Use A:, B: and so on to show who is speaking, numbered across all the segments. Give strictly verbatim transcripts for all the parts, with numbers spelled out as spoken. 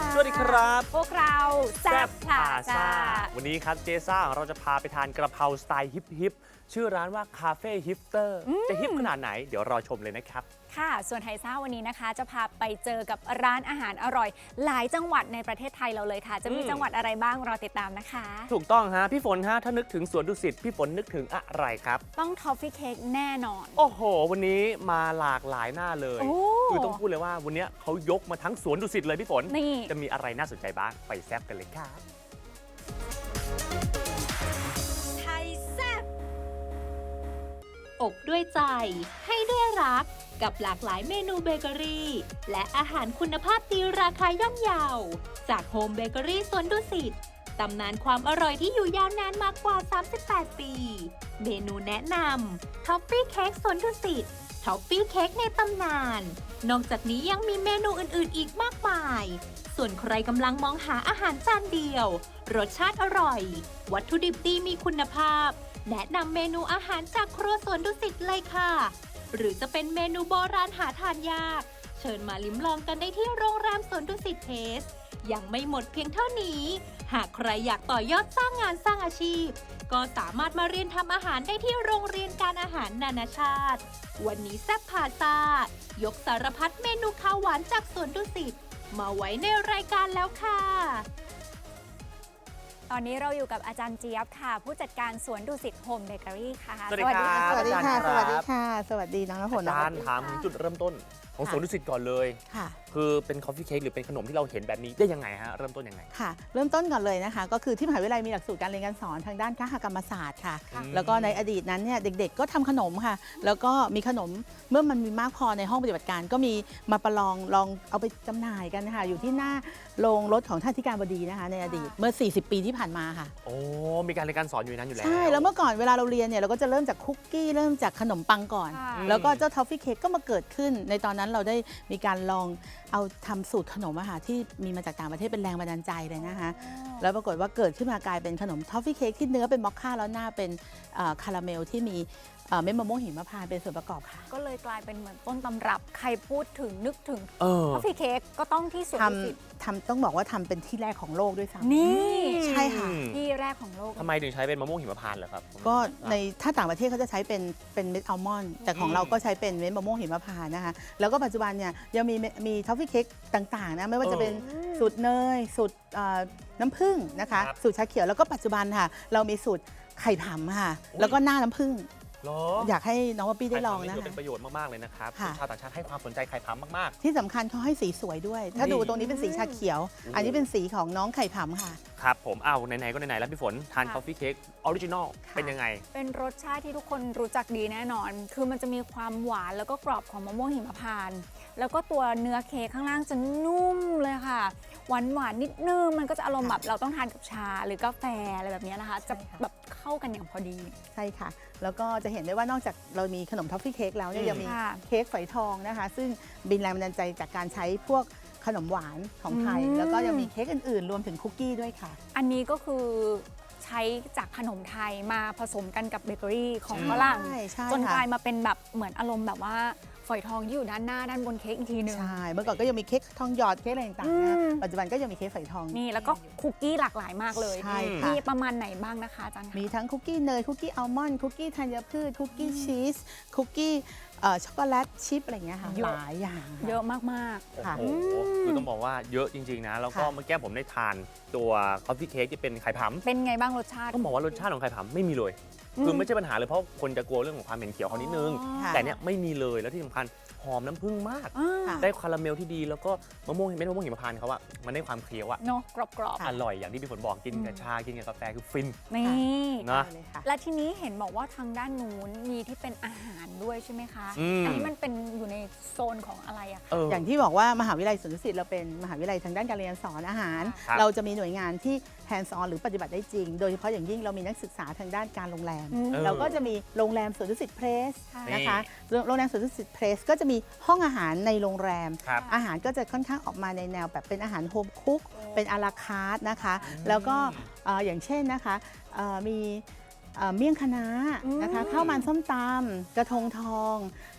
A: สวัสดีครับ
B: พวกเราแซ่บพลาซ่า
A: วันนี้ครับเจซ่าเราจะพาไปทานกระเพราสไตล์ฮิปฮิปชื่อร้านว่าคาเฟ่ฮิปเตอร์จะฮิปขนาดไหนเดี๋ยวรอชมเลยนะครับ
B: ค่ะส่วนไทยซ่าวันนี้นะคะจะพาไปเจอกับร้านอาหารอร่อยหลายจังหวัดในประเทศไทยเราเลยค่ะจะมีจังหวัดอะไรบ้างรอติดตามนะคะ
A: ถูกต้องฮะพี่ฝนฮะถ้านึกถึงสวนดุสิตพี่ฝนนึกถึงอะไรครับ
B: ต้องทอฟฟี่เค้กแน่นอน
A: โอ้โหวันนี้มาหลากหลายหน้าเลยคือต้องพูดเลยว่าวันนี้เขายกมาทั้งสวนดุสิตเลยพี่ฝนจะมีอะไรน่าสนใจบ้างไปแซ่บกันเลยครับ
B: ไทยแซ่บ
C: อบด้วยใจให้ด้วยรักกับหลากหลายเมนูเบเกอรี่และอาหารคุณภาพดีราคาย่อมเยาจากโฮมเบเกอรี่สวนดุสิตตำนานความอร่อยที่อยู่ยาวนานมากกว่าสามสิบแปดปีเมนูแนะนำท็อฟฟี่เค้กสวนดุสิตท็อฟฟี่เค้กในตำนานนอกจากนี้ยังมีเมนูอื่นๆอีกมากมายส่วนใครกำลังมองหาอาหารจานเดียวรสชาติอร่อยวัตถุดิบดีมีคุณภาพแนะนำเมนูอาหารจากครัวสวนดุสิตเลยค่ะหรือจะเป็นเมนูโบราณหาทานยากเชิญมาลิ้มลองกันได้ที่โรงแรมสวนดุสิตเพลสยังไม่หมดเพียงเท่านี้หากใครอยากต่อยอดสร้างงานสร้างอาชีพก็สามารถมาเรียนทำอาหารได้ที่โรงเรียนการอาหารนานาชาติวันนี้แซ่บพาซ่ายกสารพัดเมนูข้าวหวานจากสวนดุสิตมาไว้ในรายการแล้วค่ะ
B: ตอนนี้เราอยู่กับอาจารย์เจี๊ยบค่ะผู้จัดการสวนดุสิตโฮมเบเกอรี่ค่ะ
A: สวัสดีครับ
D: สวัสดีค่ะสวัสดีค่ะสวัสดีน้องน้ำฝน
A: อาจารย์ถามถึงจุดเริ่มต้นของสวนดุสิตก่อนเลย
D: ค่ะ
A: คือเป็นคอฟฟี่เค้กหรือเป็นขนมที่เราเห็นแบบนี้ได้ยังไงฮะเริ่มต้นยังไง
D: ค่ะเริ่มต้นก่อนเลยนะคะก็คือที่มหาวิทยาลัยมีหลักสูตรการเรียนการสอนทางด้านคหกรรมศาสตร์ค่ะแล้วก็ในอดีตนั้นเนี่ยเด็กๆก็ทำขนมค่ะแล้วก็มีขนมเมื่อมันมีมากพอในห้องปฏิบัติการก็มีมาประลองลองเอาไปจำหน่ายกันนะคะอยู่ที่หน้าโรงรถของท่านที่การบดีนะคะในอดีตเมื่อสี่สิบปีที่ผ่านมาค่ะ
A: โอ้มีการเรียนการสอนอยู่นั้นอยู่แล้ว
D: ใช่แล้วเมื่อก่อนเวลาเราเรียนเนี่ยเราก็จะเริ่มจากคุกกี้เริ่มจากขนมปังก่อนแล้วก็เจ้าทอฟฟี่เค้กก็มาเกิดขึ้นในตอนนั้นเราได้มีการลองเอาทำสูตรขนมอาหารที่มีมาจากต่างประเทศเป็นแรงบันดาลใจเลยนะคะแล้วปรากฏว่าเกิดขึ้นมากลายเป็นขนมทอฟฟี่เค้กที่เนื้อเป็นมอคค่าแล้วหน้าเป็นคาราเมลที่มีเม็ดมะม่วงหิมพานต์เป็นส่วนประกอบค่ะ
B: ก็เลยกลายเป็นเหมือนต้นตำรับใครพูดถึงนึกถึงทอฟฟี่เค้กก็ต้องที่สวนดุสิต
D: ทำต้องบอกว่าทำเป็นที่แรกของโลกด้วยซ้ำ
B: นี่
D: ใช่ค่ะ
B: ที่แรกของโลก
A: ทำไมถึงใช้เป็นมะม่วงหิมพานต์เหรอครับ
D: ก็ในถ้าต่างประเทศเขาจะใช้เป็นเป็นเม็ดอัลมอนด์แต่ของเราก็ใช้เป็นเม็ดมะม่วงหิมพานต์นะคะแล้วก็ปัจจุบันเนี่ยยังมีมีทอฟฟี่เค้กต่างๆนะไม่ว่าจะเป็นสูตรเนยสูตรน้ำผึ้งนะคะสูตรชาเขียวแล้วก็ปัจจุบันค่ะเรามีสูตรไข่ผำค่ะแล้วก็หน้าน้ำผึ้งอยากให้น้องป๊อปปี้ได้ลองนะคะ
A: เป็นประโยชน์มากๆเลยนะครับชาวต่างชาติให้ความสนใจไข่ผำมาก
D: ๆที่สำคัญเขาให้สีสวยด้วยถ้าดูตรงนี้เป็นสีชาเขียวอันนี้เป็นสีของน้องไข่ผำค่ะ
A: ครับผมเอาไหนๆก็ไหนๆแล้วพี่ฝนทานคอฟฟี่เค้กออริจินอลเป็นยังไง
B: เป็นรสชาติที่ทุกคนรู้จักดีแน่นอนคือมันจะมีความหวานแล้วก็กรอบของมะม่วงหิมพานต์แล้วก็ตัวเนื้อเค้กข้างล่างจะนุ่มเลยค่ะหวานหวานนิดนึงมันก็จะอารมณ์แบบเราต้องทานกับชาหรือกาแฟอะไรแบบนี้นะคะจะแบบเข้ากันอย่างพอดี
D: ใช่ค่ะแล้วก็จะเห็นได้ว่านอกจากเรามีขนมทอฟฟี่เค้กแล้วเนี่ยยังมีเค้กฝอยทองนะคะซึ่งบินแรงบันดาลใจจากการใช้พวกขนมหวานของไทยแล้วก็ยังมีเค้กอื่นๆรวมถึงคุกกี้ด้วยค่ะ
B: อันนี้ก็คือใช้จากขนมไทยมาผสมกันกับเบเกอรี่ของฝรั่งจนกลายมาเป็นแบบเหมือนอารมณ์แบบว่าฝอยทองที่อยู่ด้านหน้าด้านบนเค้กอีกทีนึง
D: ใช่เมื่อก่อนก็ยังมีเค้กทองหยอดเค้กอะไรต่างๆนะปัจจุบันก็ยังมีเค้กฝอยทอง
B: นี่แล้วก็คุกกี้หลากหลายมากเลย
D: ใช่ค่ะ
B: มีประมาณไหนบ้างนะคะอาจารย์
D: มีทั้งคุกกี้เนยคุกกี้อัลมอนด์คุกกี้ธัญพืชคุกกี้ชีสคุกกี้ช็อกโกแลตชิพอะไรเงี้ยค่ะหลายอย่าง
B: เยอะมาก
A: ๆค่ะคือต้องบอกว่าเยอะจริงๆนะแล้วก็เมื่อกี้ผมได้ทานตัวคอฟฟี่เค้กที่เป็นไข่ผำ
B: เป็นไงบ้างรสชาติ
A: ต้องบอกว่ารสชาติของไข่ผำไม่มีเลยคือไม่ใช่ปัญหาเลยเพราะคนจะกลัวเรื่องของความเหม็นเขียวเขานิดนึงแต่เนี้ยไม่มีเลยแล้วที่สำคัญหอมน้ำผึ้งมากได้คาราเมลที่ดีแล้วก็มะม่วงเม็ดมะม่วงหิมพานต์เขาอะมันได้ความเคี้ยวอะ
B: เนาะกรอบ
A: ๆอร่อยอย่างที่พี่ฝนบอกกินกับชากินกับกาแฟคือฟิน
B: นี่
A: นะ
B: และทีนี้เห็นบอกว่าทางด้านนู้นมีที่เป็นอาหารด้วยใช่ไหมคะอันนี้มันเป็นอยู่ในโซนของอะไรอะคะ
D: อย่างที่บอกว่ามหาวิทยาลัยสวนดุสิตเราเป็นมหาวิทยาลัยทางด้านการเรียนสอนอาหารเราจะมีหน่วยงานที่แฮนด์ซอนหรือปฏิบัติได้จริงโดยเฉพาะอย่างยิ่งเรามีนักศึกษาทางด้านการโรงแรมเราก็จะมีโรงแรมสวนดุสิตเพรสนะคะโรงแรมสวนดุสิตเพรสก็จะมีห้องอาหารในโรงแรมอาหารก็จะค่อนข้างออกมาในแนวแบบเป็นอาหารโฮมคุกเป็นอาราคาร์ทนะคะแล้วก็อย่างเช่นนะคะมีเมี่ยงคะน้านะคะข้าวมันส้มตำกระทงทอง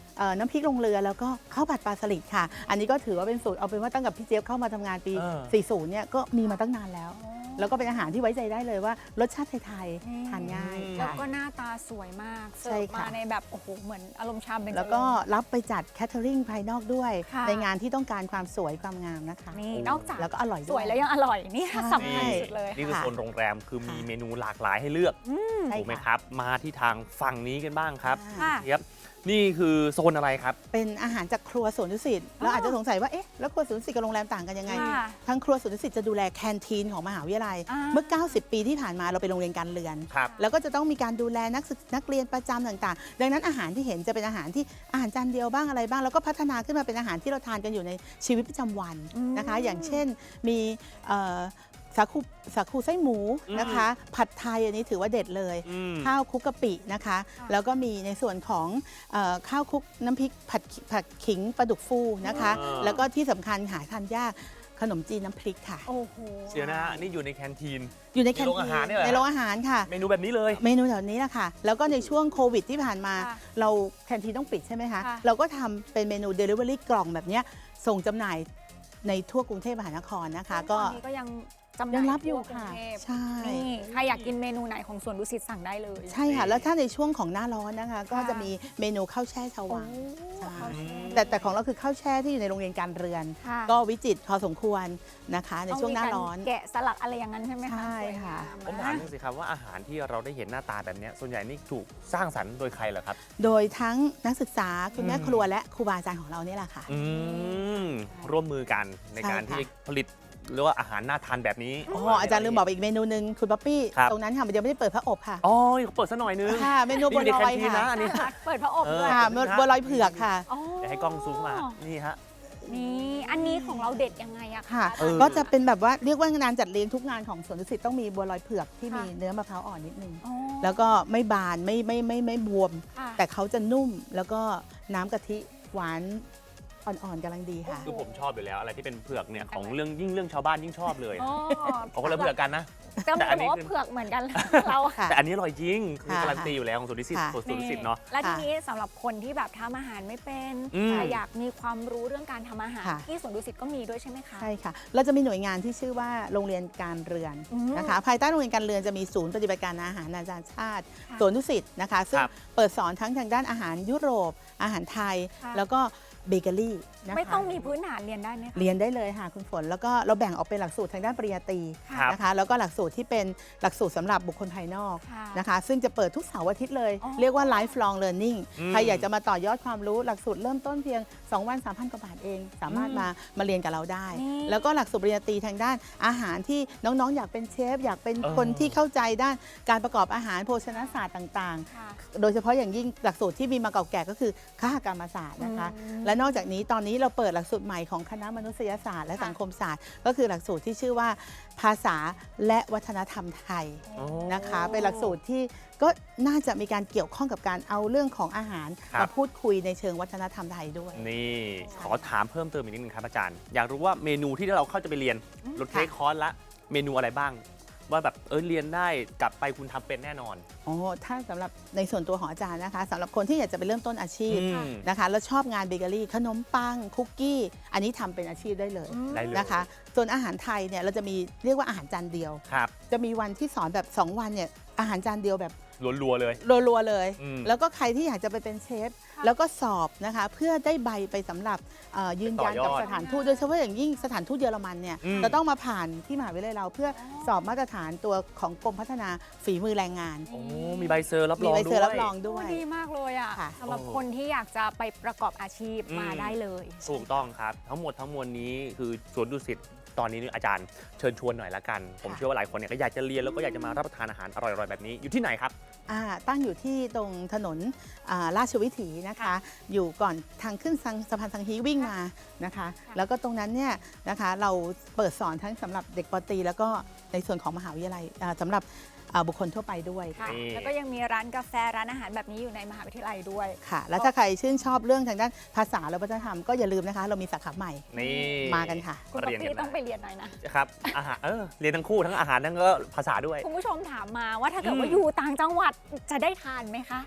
D: เอ่อน้ำพริกลงเรือแล้วก็ข้าวผัดปลาสลิดค่ะ อันนี้ก็ถือว่าเป็นสูตรเอาเป็นว่าตั้งแต่พี่เจี๊ยบเข้ามาทำงานปี
A: เออ
D: สี่สิบ เนี่ยก็มีมาตั้งนานแล้ว แล้วก็เป็นอาหารที่ไว้ใจได้เลยว่ารสชาติไทยๆทานง่าย
B: แล้ว
D: ค่ะ
B: ก็หน้าตาสวยมาก
D: ใช่
B: เสิร์ฟ
D: ค่ะ
B: มาในแบบโอ้โหเหมือนอารมณ์ชามเป็น
D: แล้วก็รับไปจัดแคทเทอริงภายนอกด้วย
B: ค่ะ
D: ในงานที่ต้องการความสวยความงามนะคะ
B: นี่นอกจาก
D: แล้วก็อร่อย
B: ส
D: ด้
B: ว
D: วย ย
B: แล้วยังอร่อยนี่
D: ใช่
B: สำคัญสุดเลย
A: นี่คือ
D: ค่ะ
A: โซนโรงแรมคือมี
D: ค่ะ
A: เมนูหลากหลายให้เลือก
D: ใช่
A: ถูกไหม
D: ค่ะ
A: ครับ มาที่ทางฝั่งนี้กันบ้างครับ
B: ค่ะ
A: เจี๊ยบนี่คือโซนอะไรครับ
D: เป็นอาหารจากครัวสวนดุสิตเราอาจจะสงสัยว่าเอ๊ะแล้วครัวสวนดุสิตกับโรงแรมต่างกันยังไง
B: ค่ะ
D: ทางครัวสวนดุสิตจะดูแลแคนทีนของมหาวิทยาลัย
B: อ่า
D: เมื่อ เก้าสิบ ปีที่ผ่านมาเราเป็นโรงเรียนการเรียน
A: ครับ
D: แล้วก็จะต้องมีการดูแลนักศึกนักเรียนประจำต่างๆ ดังนั้นอาหารที่เห็นจะเป็นอาหารที่อาหารจานเดียวบ้างอะไรบ้าง แล้วก็พัฒนาขึ้นมาเป็นอาหารที่เราทานกันอยู่ในชีวิตประจำวันนะคะ อย่างเช่นมีเอ่อสาคูสาคูไส้หมูนะคะ ผัดไทยอันนี้ถือว่าเด็ดเลย
A: อืม
D: ข้าวคลุกกะปินะคะ แล้วก็มีในส่วนของเออข้าวคลุกน้ำพริกผัดผัดขิงปลาดุกฟูนะคะ
A: อ่า
D: แล้วก็ที่สำคัญหาทานยากขนมจีนน้ำพริกค่ะ
B: โอ้โห
A: เดี๋ยวนะฮะนี่อยู่ในแคนทีน
D: อยู่ในแคน
A: ในโรง
D: ที
A: อาหารเนี่ยเหรอ
D: ในโรงอาหารค่ะ
A: เมนูแบบนี้เลย
D: เมนูแถวนี้แหละค่ะ แล้วก็ในช่วงโควิดที่ผ่านมา
B: ค่ะ
D: เราแคนทีนต้องปิดใช่ไหมคะ
B: ค่ะ
D: เราก็ทำเป็นเมนู Delivery กล่องแบบเนี้ยส่งจำหน่ายในทั่วกรุงเทพมหานครนะคะ ก็
B: ตอนนี้ก็ยังจำห
D: ยั
B: น่าง ย
D: รับอยู่
B: ทั่วกรุง
D: ค่ะ
B: เทพ
D: ใช่
B: นี่ใครอยากกินเมนูไหนของสวนดุสิตสั่งได้เลย
D: ใช่ค่ะ แล้วถ้าในช่วงของหน้าร้อนนะคะ ก็
B: ค่ะ
D: จะมีเมนูข้าวแช่ชาว
B: โอ้
D: วัง ใช่
B: ข้าวแช่
D: แต่แต่ของเราคือข้าวแช่ที่อยู่ในโรงเรียนการเรือน
B: ค่ะ
D: ก็วิจิตรพอสมควรนะคะ ในช่วงหน้าร้อน
B: เกะสลักอะไรอย่างนั้นใช่ไหมคะ
D: ใช่
B: สวยงา
D: ค่ะ
A: ผมถามหน่อยสิครับว่าอาหารที่เราได้เห็นหน้าตาแบบเนี้ยส่วนใหญ่นี่ถูกสร้างสรรค์โดยใครเหรอครับ
D: โดยทั้งนักศึกษาคุณแม่
A: อืม
D: ครัวและครูบาอาจารย์ของเรานี่แหละค่ะ
A: อืมร่วมมือกันในการ
D: ใช่ค่ะ
A: ที่ผลิตหรือว่าอาหารน่าทานแบบนี้
D: อ๋ออาจารย์ลืมบอกไปอีกเมนูหนึ่งคุณป๊อปปี้
A: ครับ
D: ตรงนั้นค่ะมันยังไม่ได้เปิดพระอบค่ะ
A: อ๋อเขาเปิดซะหน่อยนึง
D: ค่ะเมนูบัว
A: นี่
D: ล
A: ใน
D: อย
A: แคนทีน
D: ค่ะ
A: นะอันนี้
B: เปิดพระอบด้วย
A: เออ
D: ค่ะบัวลอยเผือกค่ะ
B: อ๋อ
A: เดี๋ยวให้กล้องซูมเข้ามานี่ฮะ
B: นี่อันนี้ของเราเด็ดยังไงอะ
D: ค่ะ
B: คะ
A: เออ
D: ก็จะเป็นแบบว่าเรียกว่างานจัดเลี้ยงทุกงานของสวนดุสิตต้องมีบัวลอยเผือกที่มี
B: ค่ะ
D: เนื้อมะพร้าวอ่อนนิดนึง
B: อ๋อ
D: แล้วก็ไม่บานไม่ไม่ไม่ไม่บวม
B: ค่ะ
D: แต่เขาจะนุ่มแล้วก็น้ำกะทิหวานอ่อนๆกำลังดีค่ะ
A: คือผมชอบอยู่แล้วอะไรที่เป็นเผือกเนี่ยของเรื่องยิ่งเรื่องชาวบ้านยิ่งชอบเลย
B: อ๋อ
A: เขาก็เลยเผือกกันนะ
B: จะ
A: แต่
B: บ
A: อั
B: อน ก
A: นี้
B: ว่า
A: คือ
B: เผือกเหมือนกันเรา
D: ค่ะ
A: แต่อันนี้อร่อยจริงคือ
D: ค่ะ
A: การันตีอยู่แล้วของสุนิสิต
D: ค่ะ
A: สุนิสิตเนาะ
B: และทีนี้สำหรับคนที่แบบทำอาหารไม่เป็น
A: อืม
B: แต่อยากมีความรู้เรื่องการทำอาหาร
D: ค่ะ
B: ที่สวนดุสิตก็มีด้วยใช่ไหมคะ
D: ใช่ค่ะ เราจะมีหน่วยงานที่ชื่อว่าโรงเรียนการเรือน
B: อืม
D: นะคะ ภายใต้โรงเรียนการเรือนจะมีศูนย์ปฏิบัติการอาหารนานาชาติ
B: ค่ะ
D: สวนดุสิตนะคะ ซึ่ง
A: ครับ
D: เปิดสอนทั้งทางด้านอาหารยุโรป อาหารไทย
B: ค่ะ
D: แล้วก็เบเกอรี่นะคะ
B: ไม่ต้องมีพื้นฐานเรียนได้ไหมคะ
D: เรียนได้เลยค่ะคุณฝน แล้วก็เราแบ่งออกเป็นหลักสูตรทางด้านปริญญาตรี
A: ครับ
D: นะคะ แล้วก็หลักสูตรที่เป็นหลักสูตรสำหรับบุคคลภายนอก
B: ค่ะ
D: นะคะ ซึ่งจะเปิดทุกเสาร์อาทิตย์เลย
B: อ๋อ
D: เรียกว่า lifelong learning
A: อืม
D: ใครอยากจะมาต่อยอดความรู้หลักสูตรเริ่มต้นเพียง สอง วัน สามพัน กว่าบาทเอง สามารถ
B: อืม
D: มามาเรียนกับเราได้
B: นี่
D: แล้วก็หลักสูตรปริญญาตรีทางด้านอาหารที่น้องๆ อยากเป็นเชฟ อยากเป็น
A: เออ
D: คนที่เข้าใจด้านการประกอบอาหารโภชนาศาสตร์ต่าง
B: ค่ะ
D: ๆ โดยเฉพาะอย่างยิ่งหลักสูตรที่มีมาเก่าแก่ก็คือคหกรรมศาสตร์นะคะ
B: อืม
D: และนอกจากนี้ตอนนี้เราเปิดหลักสูตรใหม่ของคณะมนุษยศาสตร์และ
B: ค่ะ
D: สังคมศาสตร์ ก็คือหลักสูตรที่ชื่อว่าภาษาและวัฒนธรรมไทย
A: อ๋อ
D: นะคะ เป็นหลักสูตรที่ก็น่าจะมีการเกี่ยวข้องกับการเอาเรื่องของอาหาร
A: ครับ
D: มาพูดคุยในเชิงวัฒนธรรมไทยด้วย
A: นี่ขอถามเพิ่มเติมอีกนิดนึงครับอาจารย์ อยากรู้ว่าเมนูที่เราเข้าจะไปเรียนรถเทคคอร์สละเมนูอะไรบ้าง ว่าแบบเออเรียนได้กลับไปคุณทำเป็นแน่นอน
D: อ๋อ ถ้าสำหรับในส่วนตัวของอาจารย์นะคะสำหรับคนที่อยากจะไปเริ่มต้นอาชีพ
A: อืม
D: นะคะ แล้วชอบงานเบเกอรี่ขนมปังคุกกี้ อันนี้ทำเป็นอาชีพได้เลย
B: อืม
A: ได้เลย
D: นะคะ ส่วนอาหารไทยเนี่ยเราจะมีเรียกว่าอาหารจานเดียว
A: ครับ
D: จะมีวันที่สอนแบบ สอง วันเนี่ยอาหารจานเดียวแบบ
A: รัวๆเลย
D: รัวๆเลย
A: อืม
D: แล้วก็ใครที่อยากจะไปเป็นเชฟ แล้วก็สอบนะคะเพื่อได้ใบไปสำหรับเอ่อยืนยันกับ
A: ต่อยอด
D: สถานทูตโดยเฉพาะอย่างยิ่งสถานทูตเยอรมันเนี่ย
A: อืม
D: จะต้องมาผ่านที่มหาวิทยาลัยเราเพื่อสอบมาตรฐานตัวของกรมพัฒนาฝีมือแรงงาน
A: โอ้มีใบเซอร์รับร
D: มี
A: อง
D: ใบ
A: ด้
D: เซอ
A: วย
D: ร์รับรองด้วย
B: โอ้ดีมากเลยอ่ะ
D: ค่ะ
B: สำหรับ
A: โอ้
B: คนที่อยากจะไปประกอบอาชีพ
A: อืม
B: มาได้เลย
A: ถูกต้องครับ ทั้งหมดทั้งมวลนี้คือสวนดุสิตตอนนี้อาจารย์เชิญชวนหน่อยละกัน ผมเชื่อว่าหลายคนเนี่ยก็อยากจะเรียนแล้วก็อยากจะมารับประทานอาหารอร่อยๆแบบนี้อยู่ที่ไหนครับ
D: อ่าตั้งอยู่ที่ตรงถนนอ่าราชวิถีนะคะ อยู่ก่อนทางขึ้นสังสะพานสังฮีวิ่งมานะคะ แล้วก็ตรงนั้นเนี่ยนะคะเราเปิดสอนทั้งสำหรับเด็กปตรีแล้วก็ในส่วนของมหาวิทยาลัยอ่าสำหรับอ่าบุคคลทั่วไปด้วย
B: ค่ะ
A: นี่
B: แล้วก็ยังมีร้านกาแฟร้านอาหารแบบนี้อยู่ในมหาวิทยาลัยด้วย
D: ค่ะ แล้วถ้าใครชื่นชอบเรื่องทางด้านภาษาและวัฒนธรรมก็อย่าลืมนะคะ เรามีสาขาใหม่
A: นี่
D: มากันค่ะ
B: คุณป๊อป
A: เรียนกัน
B: ปี้
A: ได้
B: ต้องไปเรียนหน่อยนะ
A: ครับอาหารเออเรียนทั้งคู่ทั้งอาหารทั้งก็ภาษาด้วย
B: คุณผู้ชมถามมาว่าถ้าเกิดว่า
A: อืม
B: อยู่ต่างจังหวัดจะได้ทานไหมคะ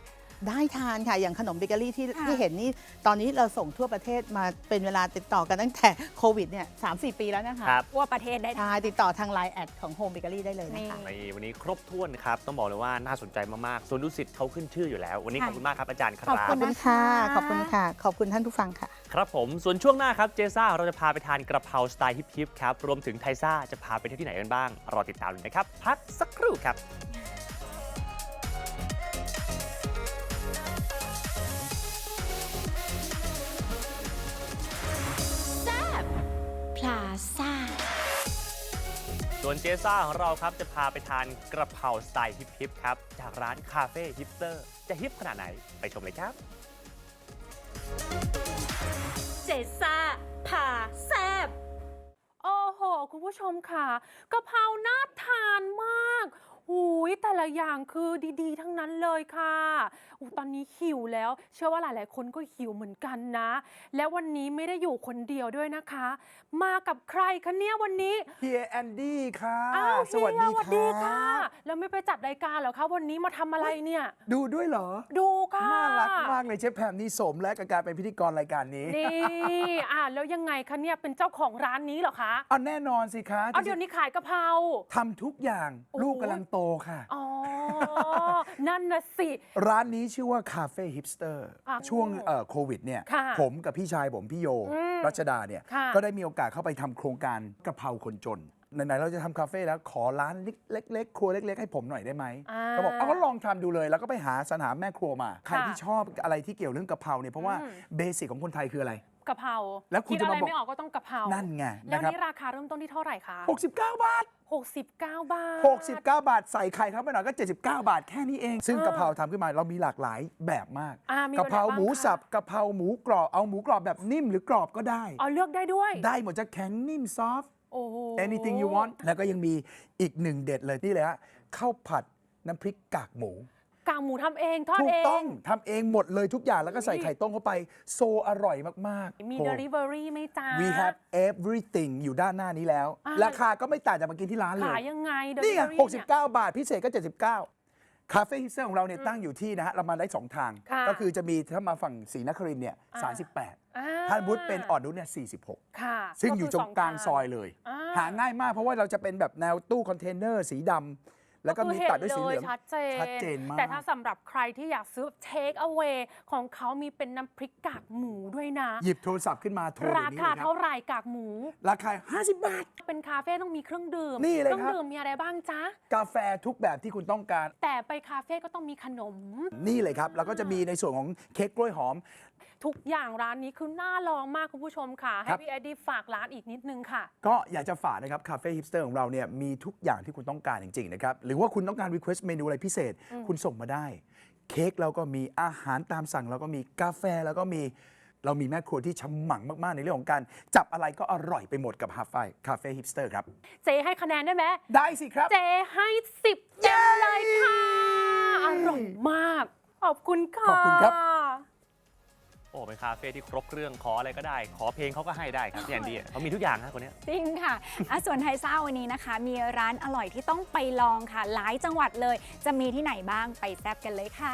D: ได้ทานค่ะ อย่างขนมเบเกอรี่ที่
B: ค่ะ
D: ที่เห็นนี่ตอนนี้เราส่งทั่วประเทศมาเป็นเวลาติดต่อกันตั้งแต่โควิดเนี่ยสามสี่ปีแล้วนะคะ
A: ครับ
B: ทั่วประเทศได้
D: ใช่ติดต่อทางไลน์แอดของโฮมเบเกอรี่ได้เลยนะคะ
A: ในวันนี้ครบถ้วนครับ ต้องบอกเลยว่าน่าสนใจมากๆส่วนดุสิตเขาขึ้นชื่ออยู่แล้ว วันนี้ข
B: ค่ะ
A: อบคุณมากครับอาจารย์ครั
B: ขอบ
D: ข
B: คุ
D: อบ
B: ณ
D: คุณค่ะ ขอบคุณค่ะ ขอบคุณท่านผู้ฟังค่ะ
A: ครับผม ส่วนช่วงหน้าครับ เจซ่าเราจะพาไปทานกระเพราสไตล์ฮิปๆครับ รวมถึงไทซ่าจะพาไปเที่ยวที่ไหนกันบ้าง รอติดตามเลยนะครับ พักสักครู่ครับ
C: พลาซ่า
A: ส่วนเจซ่าของเราครับจะพาไปทานกระเพราสไตล์ฮิปๆครับ จากร้านคาเฟ่ฮิปสเตอร์ จะฮิปขนาดไหนไปชมเลยครับ
C: เจซ่าพาแซบ
E: โอ้โห คุณผู้ชมค่ะกะเพราน่าทานมากหูยแต่ละอย่างคือดีๆ ทั้งนั้นเลยค่ะอูตอนนี้หิวแล้ว เชื่อว่าหลายๆ คนก็หิวเหมือนกันนะ และวันนี้ไม่ได้อยู่คนเดียวด้วยนะคะ มากับใครคะเนี่ยวันนี้
F: เฮียแอนดี้ค่ะ
E: อ้าว
F: สวัสดี
E: เฮียสวัสดี
F: ค
E: ค่ะ
F: รับ
E: แล้วไม่ไปจัดรายการเหรอคะวันนี้มาทำอะไรเนี่ย
F: ดูด้วยเหรอ
E: ดูค่ะ
F: น่ารักมากเลยเชฟแพมนี่สมและกับการเป็นพิธีกรรายการนี้
E: นี่อ่าแล้วยังไงคะเนี่ยเป็นเจ้าของร้านนี้เหรอคะ
F: เอาแน่นอนสิคะ
E: เอาเดี๋ยวนี้ขายกะเพรา
F: ทำทุกอย่าง
E: โอ้
F: ลูกกำลังโตค่ะ
E: อ๋อ นั่นนะสิ
F: ร้านนี้ชื่อว่าคาเฟ่ฮิปสเตอร์
E: อ่ะ
F: ช่วงเอ่อโควิดเนี่ย
E: ค่ะ
F: ผมกับพี่ชายผมพี่โย
E: อืม
F: รัชดาเนี่ย
E: ค่ะ
F: ก็ได้มีโอกาสเข้าไปทำโครงการกะเพราคนจนไหนๆเราจะทำคาเฟ่แล้วขอร้านเล็กๆครัวเล็กๆให้ผมหน่อยได้ไหม
E: อ่า
F: เขาบอกเอาก็ลองทำดูเลย แล้วก็ไปหาสรรหาแม่ครัวมา ใคร
E: ค่ะ
F: ที่ชอบอะไรที่เกี่ยวเรื่องกะเพราเนี่ยเพราะว่า
E: อืม
F: เบสิกของคนไทยคืออะไร
E: กะเพรา
F: แล้วคุณ
E: ด
F: จะ
E: อะไร
F: มาบอก
E: ไม่ออกก็ต้องกะเพรา
F: นั่นไง
E: แล้ว
F: นะครับ
E: นี่ราคาเริ่มต้นที่เท่าไหร่คะ
F: หกสิบเก้า บาท
E: หกสิบเก้าบาท
F: หกสิบเก้า บาท ใส่ไข่เข้าไปหน่อยก็ เจ็ดสิบเก้า บาทแค่นี้เอง ซึ่ง
E: เออ
F: กะเพราทำขึ้นมาเรามีหลากหลายแบบมาก
E: อ่ามี
F: กะเพรา
E: แบบไหนบ้าง
F: หมู
E: คะ
F: สับกะเพราหมูกรอบเอาหมูกรอบแบบนิ่มหรือกรอบก็ได้
E: อ๋อเลือกได้ด้วย
F: ได้หมดจะแข็งนิ่มซอฟ
E: โอ้โห
F: anything you want แล้วก็ยังมีอีกหนึ่งเด็ดเลยนี่เลยฮะข้าวผัดน้ำพริกกากหมู
E: กากหมูทำเองทอด
F: ถู
E: เอก
F: ต้อง งทำเองหมดเลยทุกอย่างแล้วก็ใส่ไข่ต้มเข้าไปโซอร่อยมากๆ
E: มี
F: โอ้
E: delivery ไหมจ๊ะ
F: We have everything อยู่ด้านหน้านี้แล้ว
E: อ่า
F: ราคาก็ไม่ต่างจากมากินที่ร้านเลย
E: ขายยังไง
F: นี่ไง
E: delivery
F: หกสิบ
E: เนี่ย
F: เก้า บาท พิเศษก็ เจ็ดสิบเก้า คาเฟ่ฮิปสเตอร์ของเราเนี่ยตั้งอยู่ที่นะฮะ เรามาได้ สอง ทาง
E: ค่ะ
F: ก็คือจะมีถ้ามาฝั่งศรีนครินทร์เนี่ย
E: อ่า
F: สามสิบแปด
E: อ่า
F: ท่านบุตเป็นออดนุชเนี่ยสี่สิบหก
E: ค่ะ
F: ซึ่งอยู่ตรงกลาง
E: คื
F: ซอยเลย
E: อ่า
F: หาง่ายมากเพราะว่าเราจะเป็นแบบแนวตู้คอนเทนเนอร์สีดำแล้วก็มีตัดด้วยสีเหลือง
E: ชัดเจน
F: ชัดเจนมาก
E: แต่ถ้าสำหรับใครที่อยากซื้อ take away ของเขามีเป็นน้ำพริกกากหมูด้วยนะ
F: หยิบโทรศัพท์ขึ้นมาโทรเดี๋
E: รา
F: ยวนี้
E: คา
F: เลยครั
E: เท่า
F: บ
E: ไหร่กากหมู
F: ราคา ห้าสิบ บาท
E: เป็นคาเฟ่ต้องมีเครื่องดื่ม
F: นี่เลย
E: เครื่
F: ครับ
E: ดื่มมีอะไรบ้างจ๊ะ
F: กาแฟทุกแบบที่คุณต้องการ
E: แต่ไปคาเฟ่ก็ต้องมีขนม
F: นี่เลยครับ แล้วก็จะมีในส่วนของเค้กกล้วยหอม
E: ทุกอย่างร้านนี้คือน่าลองมากคุณผู้ชมค่ะ ให้
F: ครับ
E: พี่แอดดี้ฝากร้านอีกนิดนึงค่ะ
F: ก็อยากจะฝากนะครับคาเฟ่ฮิปสเตอร์ของเราเนี่ยมีทุกอย่างที่คุณต้องการจริง ๆ นะครับ หรือว่าคุณต้องการรีเควสต์เมนูอะไรพิเศษ คุณส่งมาได้ เค้กเราก็มีอาหารตามสั่งเราก็มีกาแฟแล้วก็มีเรามีแม่ครัวที่ฉมังมาก ๆ ในเรื่องของการจับอะไรก็อร่อยไปหมดกับฮาไฟคาเฟ่ฮิปสเตอร์ครับ
E: เจให้คะแนนได้ไหม
F: ได้สิครับ
E: เจให้สิบเต็มเลยค่ะ อร่อยมาก ขอบคุณค่ะ
F: ขอบคุณครับ
A: โอ้เป็นคาเฟ่ที่ครบเครื่องขออะไรก็ได้ ขอเพลงเขาก็ให้ได้ครับพี่แอนดี้เขามีทุกอย่างนะคนเนี้ย
B: จริงค่ะอ่ะ ส่วนไทซ่าวันนี้นะคะ มีร้านอร่อยที่ต้องไปลองค่ะ หลายจังหวัดเลย จะมีที่ไหนบ้างไปแซ่บกันเลยค่ะ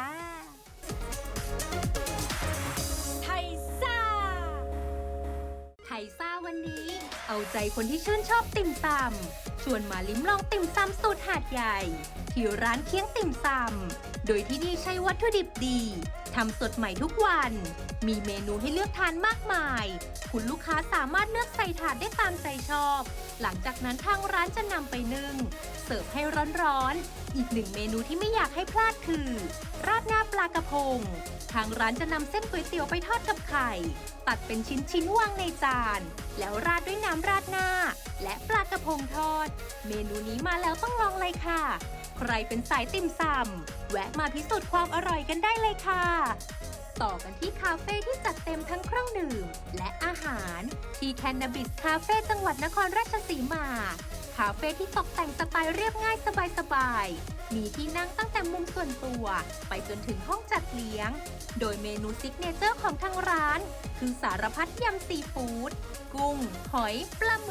C: ไทซ่า ไทซ่าวันนี้ เอาใจคนที่ชื่นชอบติ่มซำชวนมาลิ้มลองติ่มซำสูตรหาดใหญ่ ที่ร้านเคียงติ่มซำโดยที่นี่ใช้วัตถุดิบดีทำสดใหม่ทุกวัน มีเมนูให้เลือกทานมากมาย คุณลูกค้าสามารถเลือกใส่ถาดได้ตามใจชอบ หลังจากนั้นทางร้านจะนำไปนึ่งเสิร์ฟให้ร้อนๆอีกหนึ่งเมนูที่ไม่อยากให้พลาดคือ ราดหน้าปลากระพง ทางร้านจะนำเส้นก๋วยเตี๋ยวไปทอดกับไข่ ตัดเป็นชิ้นๆวางในจาน แล้วราดด้วยน้ำราดหน้า และปลากระพงทอด เมนูนี้มาแล้วต้องลองเลยค่ะ ใครเป็นสายติ่มซำแวะมาพิสูจน์ความอร่อยกันได้เลยค่ะ ต่อกันที่คาเฟ่ที่จัดเต็มทั้งเครื่องดื่ม และอาหาร ที่แคนนาบิสคาเฟ่จังหวัดนครราชสีมา คาเฟ่ที่ตกแต่งสไตล์เรียบง่ายสบายๆ มีที่นั่งตั้งแต่มุมส่วนตัว ไปจนถึงห้องจัดเลี้ยง โดยเมนูซิกเนเจอร์ของทางร้าน คือสารพัดยำซีฟู้ด กุ้ง หอย ปลาหมึก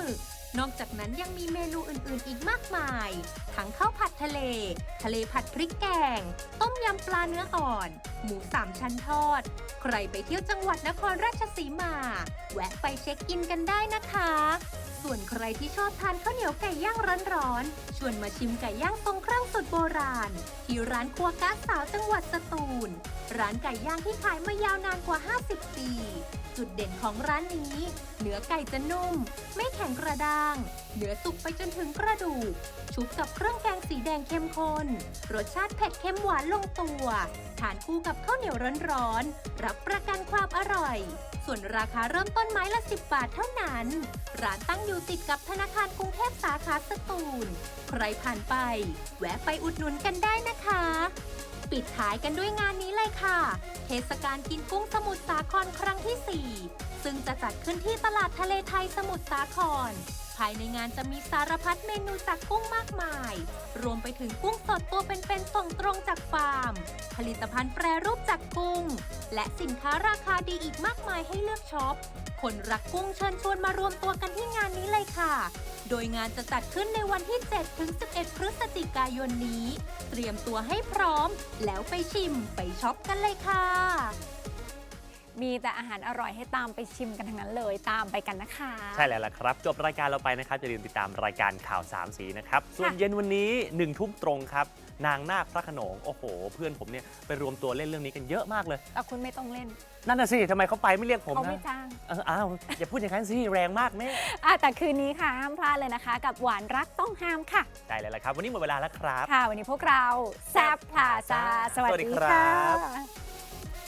C: นอกจากนั้นยังมีเมนูอื่นๆ อีกมากมาย ทั้งข้าวผัดทะเล ทะเลผัดพริกแกง ต้มยำปลาเนื้ออ่อน หมูสามชั้นทอด ใครไปเที่ยวจังหวัดนครราชสีมา แวะไปเช็คอินกันได้นะคะ ส่วนใครที่ชอบทานข้าวเหนียวไก่ย่างร้อนๆ ชวนมาชิมไก่ย่างทรงเครื่องสุดโบราณ ที่ร้านครัวก้าสาวจังหวัดสตูล ร้านไก่ย่างที่ขายมายาวนานกว่า ห้าสิบ ปี จุดเด่นของร้านนี้ เนื้อไก่จะนุ่ม ไม่แข็งกระด้าง เนื้อสุกไปจนถึงกระดูก ชุบกับเครื่องแกงสีแดงเข้มข้น รสชาติเผ็ดเค็มหวานลงตัว ทานคู่กับข้าวเหนียวร้อนๆ รับประกันความอร่อย ส่วนราคาเริ่มต้นไม้ละ สิบบาทเท่านั้น ร้านตั้งอยู่ติดกับธนาคารกรุงเทพสาขาสตูล ใครผ่านไป แวะไปอุดหนุนกันได้นะคะ ปิดท้ายกันด้วยงานนี้เลยค่ะ เทศกาลกินกุ้งสมุทรสาครครั้งที่ สี่ ซึ่งจะจัดขึ้นที่ตลาดทะเลไทยสมุทรสาคร ภายในงานจะมีสารพัดเมนูจากกุ้งมากมาย รวมไปถึงกุ้งสดตัวเป็นๆส่งตรงจากฟาร์ม ผลิตภัณฑ์แปรรูปจากกุ้ง และสินค้าราคาดีอีกมากมายให้เลือกช็อป คนรักกุ้งเชิญชวนมารวมตัวกันที่งานนี้เลยค่ะ โดยงานจะจัดขึ้นในวันที่ เจ็ดถึงสิบเอ็ด พฤศจิกายนนี้ เตรียมตัวให้พร้อม แล้วไปชิมไปช็อปกันเลยค่ะ
B: มีแต่อาหารอร่อยให้ตามไปชิมกันทั้งนั้นเลยตามไปกันนะคะ
A: ใช่แล้วล่ะครับ จบรายการเราไปนะครับอย่าลืมติดตามรายการข่าวสามสีนะครับ ส่วนเย็นวันนี้หนึ่งทุ่มตรงครับ นางนาคพระโขนงโอ้โห เพื่อนผมเนี่ยไปรวมตัวเล่นเรื่องนี้กันเยอะมากเลย
B: แต่คุณไม่ต้องเล่น
A: นั่นน่ะสิทำไมเขาไปไม่เรียกผม
B: เขา
A: นะ
B: ไม่จ้าง
A: เอออ้าวอย่าพูดอย่างนั้นสิแรงมากแม่
B: อ่ะแต่คืนนี้ค่ะห้ามพลาดเลยนะคะ กับหวานรักต้องห้ามค่ะ
A: ได้เลยละครับ วันนี้หมดเวลาแล้วครับ
B: ค่ะ วันนี้พวกเราแซบพลาซาสวัส
A: สวัสดี
B: ดี
A: ครั
B: ค่ะ
A: บ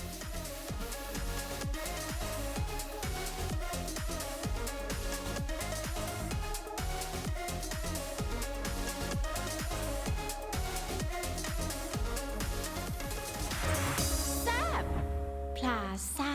C: พลาซ่า